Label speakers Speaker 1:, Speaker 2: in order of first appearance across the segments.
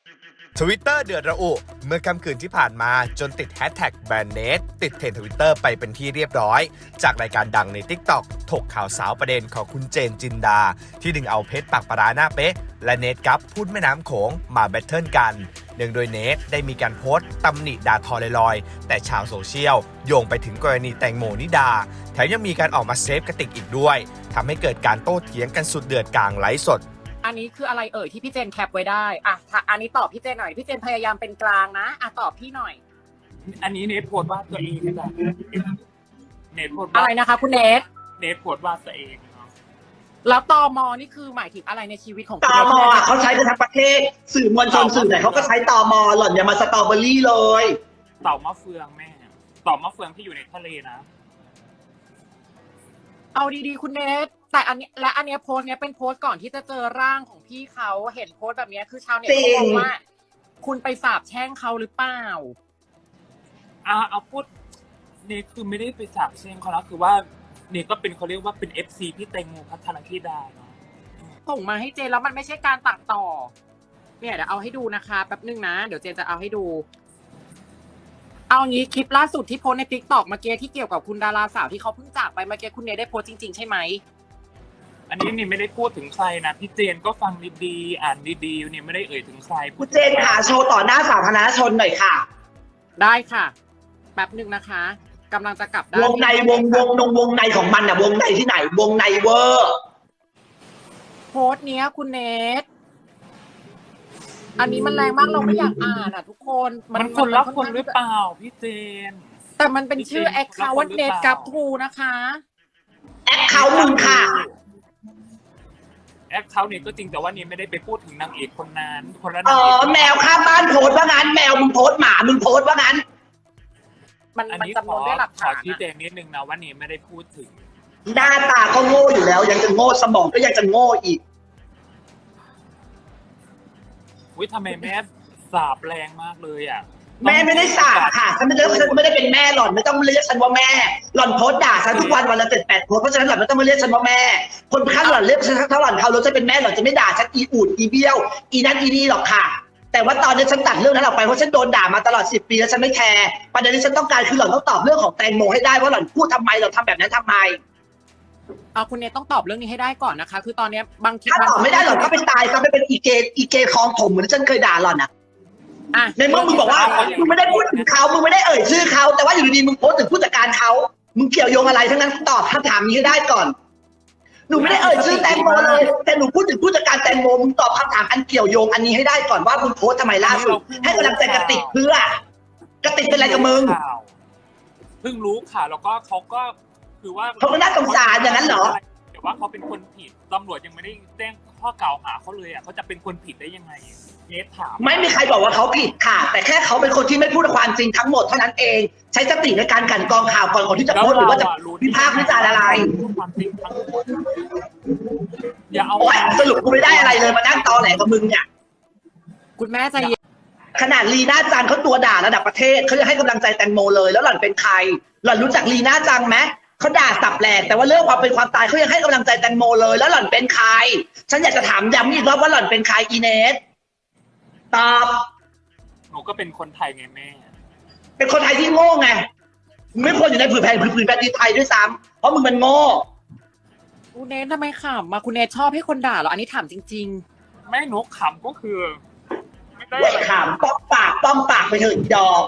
Speaker 1: Twitter เดือดระอุเมื่อค่ำคืนที่ผ่านมาจนติดแฮชแท็กแบรนด์เนทติดเทรนด์ Twitter ไปเป็นที่เรียบร้อยจากรายการดังใน TikTok ถกข่าวสาวประเด็นของคุณเจนจินดาที่ดึงเอาเพชรปากปลาหน้าเป๊ะและเนทกับพูดแม่น้ำโขงมาแบทเทิลกันเนื่องโดยเนทได้มีการโพสต์ตำหนิด่าทอลอยๆแต่ชาวโซเชียลโยงไปถึงกรณีแตงโมนิดาแถมยังมีการออกมาเซฟกระติกอีกด้วยทำให้เกิดการโต้เถียงกันสุดเดือดกลางไลฟ์สด
Speaker 2: อันนี้คืออะไรเอ่ยที่พี่เจนแคปไว้ได้อันนี้ตอบพี่เจนหน่อยพี่เจนพยายามเป็นกลางนะตอบพี่หน่อย
Speaker 3: อันนี้เนทโพสต์ว่าตัวเองนะเนทโพสต์
Speaker 2: อะไรนะคะคุณเนท
Speaker 3: โพสต์ว่าตัวเอง
Speaker 2: แล้วตม.นี่คือหมายถึงอะไรในชีวิตของ
Speaker 4: ตม.เขาใช้กันทั้งประเทศสื่อมวลชนสื่อไหนเขาก็ใช้ตม.หล่อนอย่ามาสตรอเบอรี่เลย
Speaker 3: เต่ามะเฟืองแม่เต่ามะเฟืองที่อยู่ในทะเลนะ
Speaker 2: เอาดีๆคุณเนทแต่อันนี้โพสต์เนี้ยเป็นโพสต์ก่อนที่จะเจอร่างของพี่เขาเห็นโพสต์แบบนี้คือชาวเน็ตเขาบอกว่าคุณไปสาบแช่งเขาหรือเปล่า
Speaker 3: เอาพูดเนทคือไม่ได้ไปสาบแช่งเขาแล้วคือว่าเนทก็เป็นเขาเรียกว่าเป็น FC พี่แตงโมพัทรธิดาเนาะ
Speaker 2: ส่งมาให้เจนแล้วมันไม่ใช่การตัดต่อเนี่ยเดี๋ยวเอาให้ดูนะคะแป๊บนึงนะเดี๋ยวเจนจะเอาให้ดูเอางี้คลิปล่าสุดที่โพสใน TikTok เมื่อกี้ที่เกี่ยวกับคุณดาราสาวที่เขาเพิ่งจากไปเมื่อกี้คุณเนทได้โพสจริงๆใช่ไหม
Speaker 3: อันนี้นี่ไม่ได้พูดถึงใครนะพี่เจนก็ฟังดีๆอ่านดีๆนี่ไม่ได้เอ่ยถึงใคร
Speaker 4: คุณเจนค่ะโชว์ต่อหน้าสาธารณชนหน่อยค่ะ
Speaker 2: ได้ค่ะแป๊บนึงนะคะกำลังจะกลับด้าน
Speaker 4: วงในวงในของมันวงในที่ไหนวงในเวอร์
Speaker 2: โพสเนี้ยคุณเนทอันนี้มันแรงมากเราไม่อยากอ่านทุกคน
Speaker 3: มันคนละคนหรือเปล่าพี่เจน
Speaker 2: แต่มันเป็นชื่อแอคเคาท์เนทกับทูนะคะ
Speaker 4: แอคเคาท์มึงค่ะ
Speaker 3: แอคเคาท์เนี่ยก็จริงแต่ว่านี่ไม่ได้ไปพูดถึงนางเอกคนนั้นคนละนางเอก
Speaker 4: แมวข้างบ้านโพสว่างั้นแมวมึงโพสหมามึงโพสว่างั้น
Speaker 2: มันจำนวนด้วยหลักฐาน
Speaker 3: ขอชี้แจงนิดนึงนะว่านี่ไม่ได้พูดถึง
Speaker 4: หน้าตาก็โง่อยู่แล้วยังจะโง่สมองก็ยังจะโง่อีก
Speaker 3: ทำไมแม่สาบแรงมากเลย
Speaker 4: แม่ไม่ได้สาบค่ะฉันไม่ได้เป็นแม่หล่อนไม่ต้องเรียกฉันว่าแม่หล่อนโพสด่าฉันทุกวันวันละ7-8โพสเพราะฉะนั้นหล่อนไม่ต้องมาเรียกฉันว่าแม่คนข้างหล่อนเรียกฉันถ้าหล่อนเขาจะเป็นแม่หล่อนจะไม่ด่าฉันอีอูดอีเบี้ยวอีนั่นอีนี่หรอกค่ะแต่ว่าตอนนี้ฉันตัดเรื่องนั้นออกไปเพราะฉันโดนด่ามาตลอด10 ปีแล้วฉันไม่แคร์ประเด็นที่ฉันต้องการคือหล่อนต้องตอบเรื่องของแตงโมให้ได้ว่าหล่อนพูดทำไมหล่อนทำแบบนั้นทำไม
Speaker 2: คุณเนทต้องตอบเรื่องนี้ให้ได้ก่อนนะคะคือตอนนี้บางที
Speaker 4: ถ้าตอบไม่ได้หล่อนก็ไปตายก็ไปเป็นอีเกคลองถมเหมือนที่ฉันเคยด่าหล่อนในเมื่อมึงบอกว่ามึงไม่ได้พูดถึงเขามึงไม่ได้เอ่ยชื่อเขาแต่ว่าอยู่ดีๆมึงโพสถึงผู้จัดการเขามึงเกี่ยวโยงอะไรทั้งนั้นตอบคำถามนี้ให้ได้ก่อนหนูไม่ได้เอ่ยชื่อแตงโมเลยแต่หนูพูดถึงผู้จัดการแตงโมมึงตอบคำถามอันเกี่ยวโยงอันนี้ให้ได้ก่อนว่ามึงโพสทำไมล่าสุดให้กำลังใจกระติกเพื่อกระติกเป็นอะไรกับมึง
Speaker 3: เพิ่งรู้ข่าวแล้วก็เขาก็คือว่า
Speaker 4: เขาก็น่าสงสารอย่างนั้นเหรอ
Speaker 3: แต่ว่าเขาเป็นคนผิดตำรวจยังไม่ได้แจ้งข้อกล่าวหาเขาเลยเขาจะเป็นคนผิดได้ยังไงเนทถาม
Speaker 4: ไม่มีใครบอกว่าเขาผิดค่ะแต่แค่เขาเป็นคนที่ไม่พูดความจริงทั้งหมดเท่านั้นเองใช้สติในการกั่นกรองข่าวก่อนที่จะโพสหรือว่าจะวิพากษ์วิจารณ์อะไร
Speaker 3: พูดความจริงทั้งหมดอย่าเอา
Speaker 4: สรุปกูไม่ได้อะไรเลยมานั่งตอแหลกับมึงเนี่ย
Speaker 2: คุณแม่ใจเย็น
Speaker 4: ขนาดลีน่าจังเขาตัวด่าระดับประเทศเขาจะให้กำลังใจแตงโมเลยแล้วหล่อนเป็นใครหล่อนรู้จักลีน่าจังไหมเขาด่าสับแหลกแต่ว่าเรื่องความเป็นความตายเขายังให้กำลังใจแตงโมเลยแล้วหล่อนเป็นใครฉันอยากจะถามย้ำอีกรอบว่าหล่อนเป็นใครอีเนสตอบ
Speaker 3: หนูก็เป็นคนไทยไงแม่
Speaker 4: เป็นคนไทยที่โง่ไงไม่ควรอยู่ในผืนแผ่นดินไทยด้วยซ้ำเพราะมึงมันโง่
Speaker 2: คุณเนททำไมขำมาคุณเนทชอบให้คนด่าเหรออันนี้ถามจริง
Speaker 3: ๆไม่หนูขำก็คือ
Speaker 4: ไม่ได้ขำป้องปากไปเถอะดอก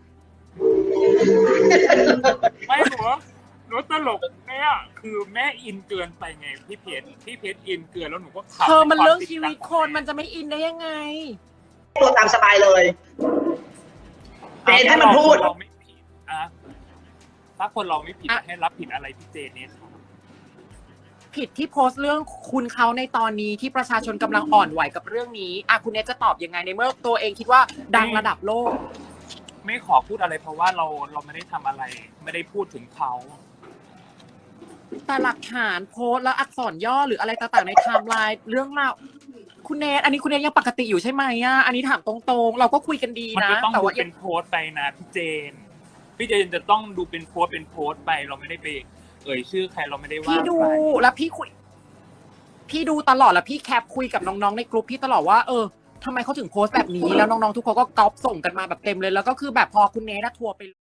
Speaker 3: ไม่หนูตลกเนี่ยคือแม่อินเกินไปไงพี่เพชรอินเกินแล้วหนูก็ขำ
Speaker 2: มันเรื่องชีวิตคนมันจะไม่อินได้ยังไง
Speaker 4: ตัวตามสบายเลยเจนให้มันพูด
Speaker 3: เราไม่ผิดถ้าคนเราไม่ผิดให้รับผิดอะไรพี่เจนเนี่ย
Speaker 2: ผิดที่โพสต์เรื่องคุณเขาในตอนนี้ที่ประชาชนกำลังอ่อนไหวกับเรื่องนี้คุณเนทจะตอบยังไงในเมื่อตัวเองคิดว่าดังระดับโลก
Speaker 3: ไม่ขอพูดอะไรเพราะว่าเราไม่ได้ทำอะไรไม่ได้พูดถึงเขา
Speaker 2: แต่หลักฐานโพสต์แล้วอักษรย่อหรืออะไรต่างๆในไทม์ไลน์เรื่องราวคุณเนทอันนี้คุณเนทยังปกติอยู่ใช่ไหมอันนี้ถามตรงๆเราก็คุยกันดีนะ
Speaker 3: แต่ว่าเป็นโพสต์ไปนะพี่เจนจะต้องดูเป็นโพสต์ไปเราไม่ได้ไปเอ่ยชื่อใครเราไม่ได้ว่า
Speaker 2: พี่ดูแล้วพี่ดูตลอดแล้วพี่แคปคุยกับน้องๆในกลุ่มพี่ตลอดว่าทำไมเขาถึงโพสต์แบบนี้แล้วน้องๆทุกคนก็ก๊อปส่งกันมาแบบเต็มเลยแล้วก็คือแบบพอคุณเนททัวร์ไป